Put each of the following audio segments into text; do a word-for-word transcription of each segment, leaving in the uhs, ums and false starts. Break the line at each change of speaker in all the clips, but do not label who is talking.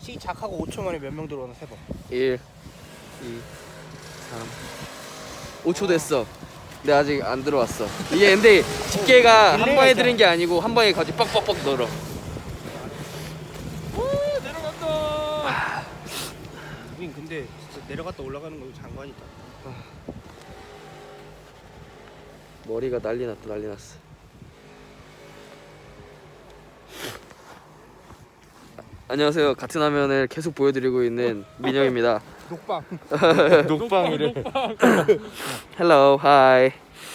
시작하고 오 초 만에 몇 명 들어오나 세봐.
일, 이, 삼, 오 초 됐어. 근데 아직 안 들어왔어. 이게 근데 집게가 한 번에 들은 게 아니고 한 번에 같이 뻑뻑뻑 늘어.
오 내려간다. 우린 근데 진짜 내려갔다 올라가는 거 장관이다.
머리가 난리 났다 난리 났어. 안녕하세요. 같은 화면을 계속 보여드리고 있는 민영입니다.
녹방.
녹방이래.
Hello, hi.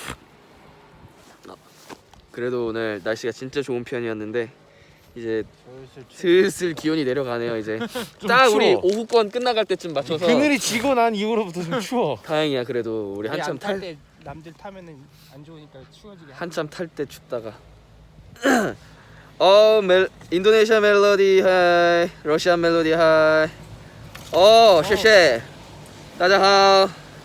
그래도 오늘 날씨가 진짜 좋은 편이었는데 이제 슬슬 기온이 내려가네요. 이제 딱
추워.
우리 오후권 끝나갈 때쯤 맞춰서.
그늘이 지고 난 이후로부터 좀 추워.
다행이야. 그래도 우리 한참 탈
때 남들 타면은 안 좋으니까 추워지게.
한참 탈 때 춥다가. 어, 멜 인도네시아 멜로디 하이, 러시아 멜로디 하이. 어, 쉐쉐. 따자하오.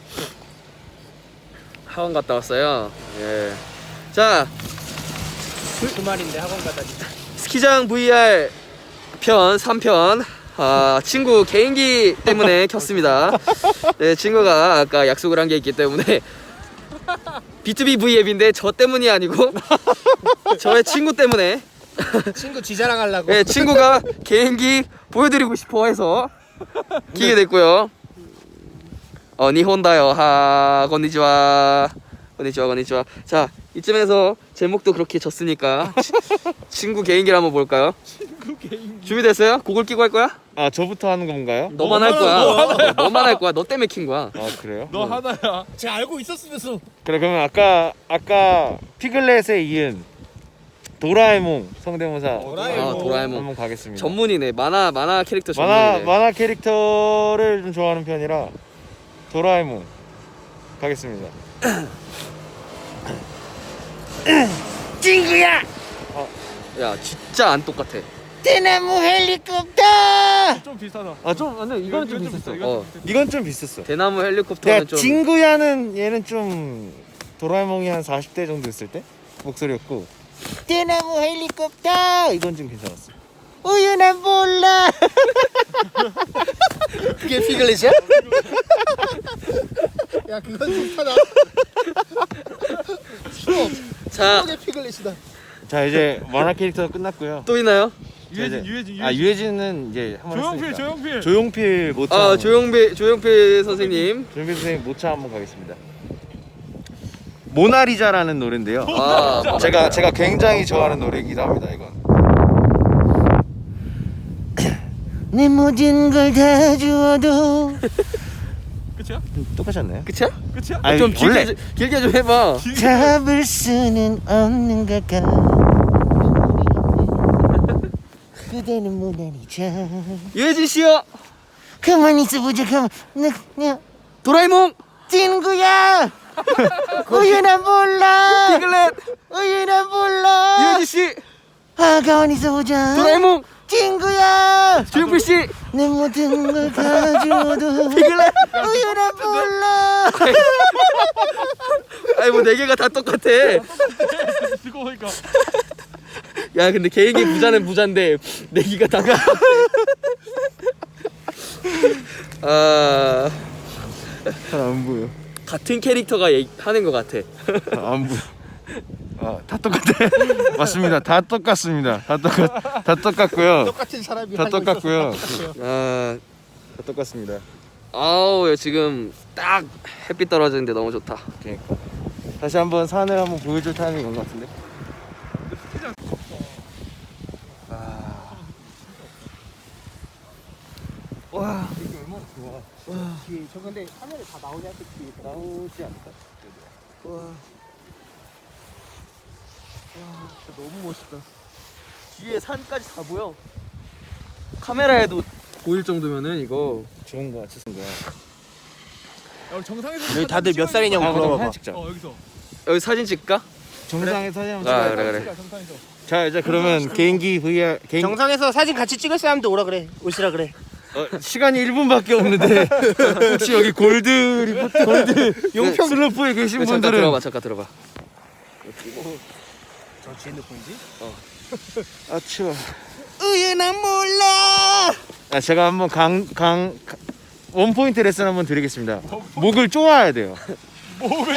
학원 갔다 왔어요. 예. 자,
주말인데 학원 가다.
스키장 브이알 편 삼 편. 아, 친구 개인기 때문에 켰습니다. 네, 친구가 아까 약속을 한 게 있기 때문에 비투비 브이 앱인데 저 때문이 아니고 저의 친구 때문에.
친구 지자랑 하려고.
네, 친구가 개인기 보여드리고 싶어 해서 키게 됐고요. 어, 니혼다요. 하, 건니치와. 건니치와, 건니치와. 자, 이쯤에서 제목도 그렇게 졌으니까 친구 개인기를 한번 볼까요?
친구 개인기.
준비됐어요? 곡을 끼고 할 거야?
아 저부터 하는 건가요?
너만 할 거야. 어, 너만 할 거야. 너 때문에 킨 거야.
아 그래요?
너 하나야. 제가 알고 있었으면서.
그래 그러면 아까 아까 피글렛에 이은 도라에몽 성대모사
도라에몽.
아, 도라에몽.
한번 가겠습니다.
전문이네. 만화 만화 캐릭터
만화
전문이네.
만화 캐릭터를 좀 좋아하는 편이라 도라에몽 가겠습니다.
친구야.
야, 진짜 안 똑같아.
대나무 헬리콥터. 좀 비슷하다.
아좀 근데 이건 좀 비슷했어.
어,
이건 좀 비슷했어.
대나무
내가
헬리콥터는 좀
친구야는 얘는 좀 도라에몽이 한 사십 대 정도 됐을 때 목소리였고 대나무 헬리콥터 이건 좀 괜찮았어.
우유는 몰라. 그게 피글렛이야? 야 그건 비슷하다. 추워.
자,
그게 피글렛이다.
자 이제 만화 캐릭터 끝났고요.
또 있나요?
유해진 유해진 아 유해진은 이제 한번
조용필
했으니까.
조용필
조용필 모차
아,
한번-
조용필 조용필 선생님.
조용필 선생님 모차 한번 가겠습니다. 모나리자라는 노래인데요.
아,
제가 제가 굉장히 좋아하는 노래이기도 합니다. 이건. 내 모든 걸 다 주어도
끝이야?
똑같지 않나요?
끝이야?
끝이야?
아니,
좀 길게
원래
좀, 길게 좀 해봐.
잡을 수는 없는 걸까? 그대는 모나리자.
유해진 씨요.
가만히 있어보자. 가만. 나 그냥
도라에몽.
친구야. 우유나 몰라.
피글렛.
우유나 몰라.
유해진 씨.
아 가만히 있어보자.
도라에몽.
친구야.
조용필 씨.
내 모든 걸 가져도
피글렛.
우유나 몰라.
아니 뭐 네 개가 다 똑같아.
듣고 보니까
야, 근데 개인기 부자는 부자인데 네 개가 다 똑같아. 아,
안 보여.
같은 캐릭터가 얘기- 하는 것 같아.
안 보여. 아, 다 똑같아. 맞습니다. 다 똑같습니다. 다 똑같, 다 똑같고요.
똑같은 사람이
다
하고
똑같고요.
있어서 똑같아요.
아,
다 똑같습니다.
아우, 지금 딱 햇빛 떨어지는데 너무 좋다.
그러니까. 다시 한번 산을 한번 보여줄 타이밍이 온 것 같은데. 아. 와.
이게 얼마나 좋아. 와. 뒤에 저 근데 화면에 다 나오냐 그 뒤에
나오지 않을까?
와. 와, 진짜 너무 멋있다.
뒤에 산까지 다 보여. 카메라에도 보일 정도면은 이거.
좋은 거 같은 거야.
야, 우리 정상에서
여기 다들 몇 살이냐고
아,
물어봐봐.
사진 찍자.
어 여기서
여기 사진 찍을까?
정상에 사진 한번
아,
찍어야
그래,
돼.
그래.
찍자, 정상에서
자, 이제 그러면 개인기 브이알 개인
정상에서 사진 같이 찍을 사람도 오라 그래. 오시라 그래.
어, 시간이 일 분밖에 없는데 혹시 여기 골드 리포트 골드 용평 슬로프에 계신
잠깐
분들은
들어봐, 잠깐 들어봐.
저 뒤에 핸드폰이지?
아 추워.
우유나 몰라.
아, 제가 한번 강, 강, 강 원포인트 레슨 한번 드리겠습니다. 목을 쪼아야 돼요.
목을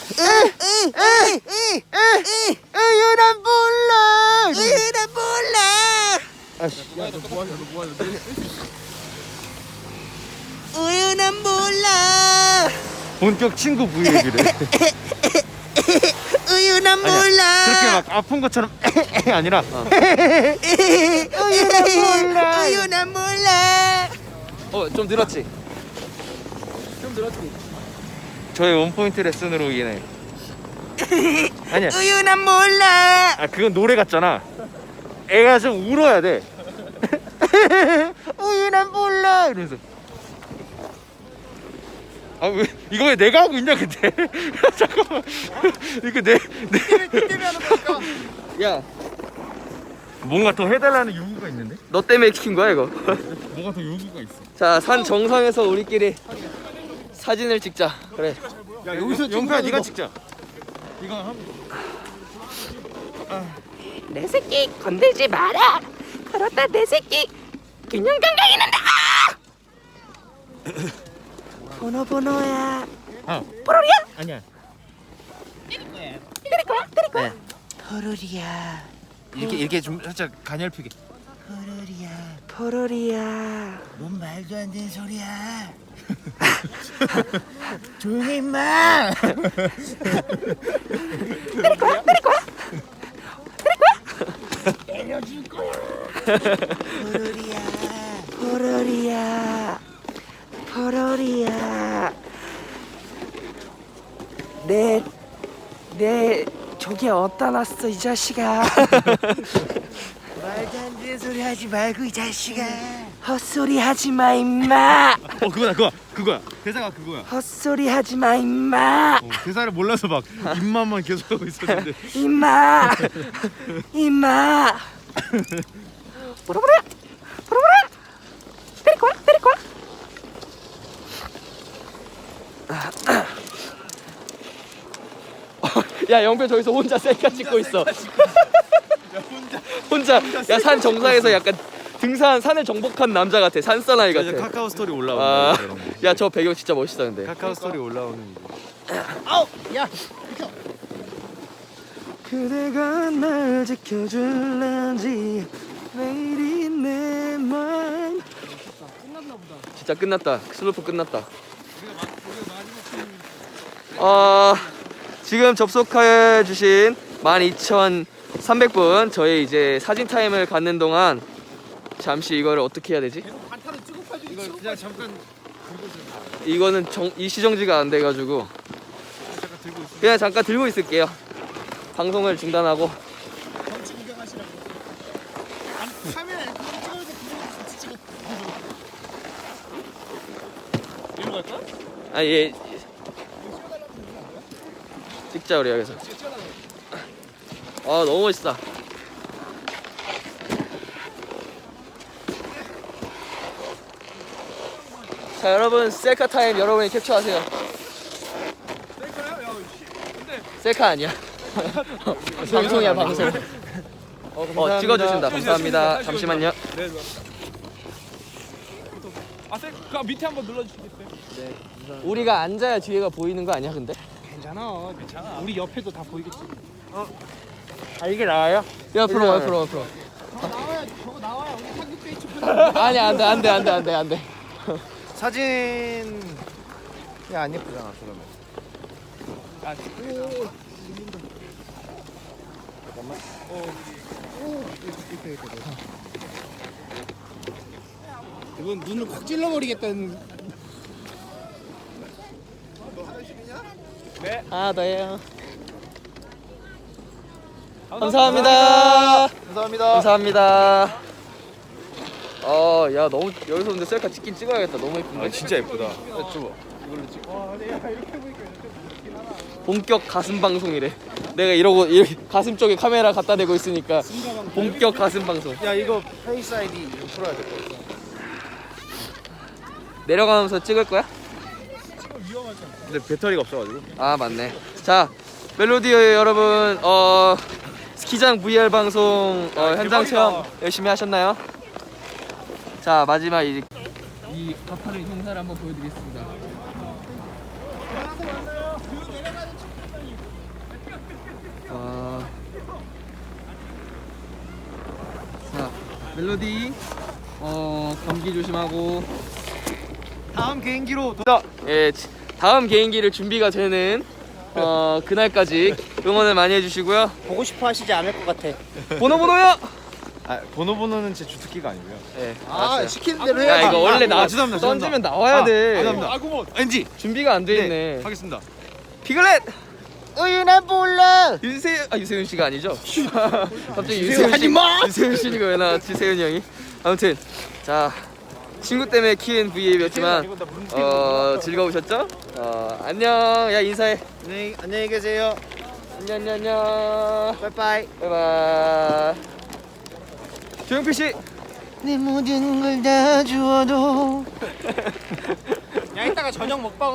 으유난 몰라.
으유난 몰라.
아씨.
야너 뭐하냐 너 뭐하냐
우유는 몰라.
본격 친구 브이앱이래.
우유는 몰라.
그렇게 막 아픈 것처럼 아니라
우유는 몰라. 우유는 몰라. 어, 좀 늘었지. 좀 늘었지.
저의 원포인트 레슨으로 인해. 아니야.
우유는 몰라.
아 그건 노래 같잖아. 애가 좀 울어야 돼. 우유는 몰라 이러면서. 아 왜 이거 왜 내가 하고 있냐 근데. 잠깐만. 이거 내 내.
때문에 하는 거니까
야,
뭔가 더 해달라는 요구가 있는데?
너 때문에 시킨 거야 이거?
뭐가 더 요구가 있어.
자, 산 정상에서 우리끼리 사진을 찍자. 그래.
야 여기서 영표야 네가 찍자. 이거 한.
내 새끼 건들지 마라. 그러다 내 새끼 균형 감각이 난다. 번호 번호야.
아
뽀로리야?
아니야.
때릴 거야? 때릴 거야?
포로리야. 이렇게 이렇게 좀 살짝 가냘피게.
포로리야. 포로리야.
뭔 말도 안 되는 소리야. 조용히 임마.
때릴 거야? 때릴 거야? 때려줄 거야. 포로리야. 포로리야. 포로리야. 내, 내 저기 어디다 놨어 이 자식아.
말도 안 되는 소리 하지 말고 이 자식아.
헛소리 하지 마 임마.
어 그거다 그거 그거야. 대사가 그거야.
헛소리 하지 마 임마.
어, 대사를 몰라서 막 입만만 계속 하고 있었는데.
임마. 임마. 보라보라. 보라보라. 때릴 거야? 때릴 거야?
야, 영표 저기서 혼자 셀카 찍고 있어. 혼자. 야, 산 정상에서 약간 등산 산을 정복한 남자 같아. 산사나이
이제
같아.
카카오 스토리
아,
올라오는 거.
야, 저 배경 진짜 멋있다 근데.
카카오 스토리 올라오는 거.
그대가 날 지켜줄런지 매일이 내 맘. 진짜 끝났다. 슬로프 끝났다. 어, 지금 접속해 주신 만 이천삼백 분 저희 이제 사진 타임을 갖는 동안 잠시 이거를 어떻게 해야 되지?
이거 그냥 잠깐
이거는 정, 일시정지가 안 돼가지고 그냥 잠깐 들고 있을게요. 방송을 중단하고.
이리로 갈까?
아, 예. 찍자 우리 여기서. 아, 너무 멋있다. 자, 여러분 셀카 타임 여러분이 캡처하세요.
셀카야? 야 씨. 근데
셀카 아니야. 방송이야 방송.
어,
어, 찍어주신다.
찍어주세요,
감사합니다.
찍어주세요.
잠시만요.
네. 네. 아 셀, 그 밑에 한번 눌러주시겠어요?
우리가 앉아야 뒤에가 보이는 거 아니야 근데?
괜찮아. 괜찮아. 우리 옆에도 다 보이겠지.
아 이게 나와요?
옆으로 옆으로 옆으로.
나와야 저거 나와야 우리 상급 페이지
아니 안돼 안돼 안돼 안돼 안돼.
사진이 안 예쁘잖아 그러면.
아
이건 눈을 확 찔러버리겠다는.
하나 더 해요. 감사합니다.
감사합니다.
감사합니다. 어, 야 너무 여기서 근데 셀카 찍긴 찍어야겠다. 너무 예쁜데.
아 진짜 예쁘다.
본격 가슴 방송이래. 내가 이러고 이렇게 가슴 쪽에 카메라 갖다 대고 있으니까 본격 가슴 방송.
야 이거 페이스 아이디 좀 풀어야 될 것 같아.
내려가면서 찍을 거야?
근데 배터리가 없어가지고.
아 맞네. 자, 멜로디 여러분, 어 스키장 브이알 방송 어, 현장 체험 열심히 하셨나요? 자 마지막 이제 이 가파른 형사를 한번 보여드리겠습니다. 어... 자 멜로디 어 감기 조심하고
다음 개인기로 도전.
예 지- 다음 개인기를 준비가 되는 어 그날까지 응원을 많이 해주시고요.
보고 싶어 하시지 않을 것 같아.
번호 번호요.
아 번호 번호는 제 주특기가 아니고요.
예.
아 시키는 대로
야 이거 원래 나
아, 죄송합니다, 죄송합니다.
던지면 나와야
아,
돼.
죄송합니다.
아구몬.
엔지.
준비가 안 돼 있네.
하겠습니다.
피글렛.
우유나 몰라.
윤세윤 아 유세윤 씨가 아니죠? 갑자기 유세윤 씨 유세윤 씨가 왜 나왔지 세윤이 형이? 아무튼 자 친구 때문에 키운 브이앱이었지만 어 즐거우셨죠? 어 안녕 야 인사해.
네 안녕히 계세요.
안녕 안녕 안녕.
빠이빠이.
바이바이. 조용필 씨.
내 모든 걸 다 주어도
야 이따가 저녁 먹방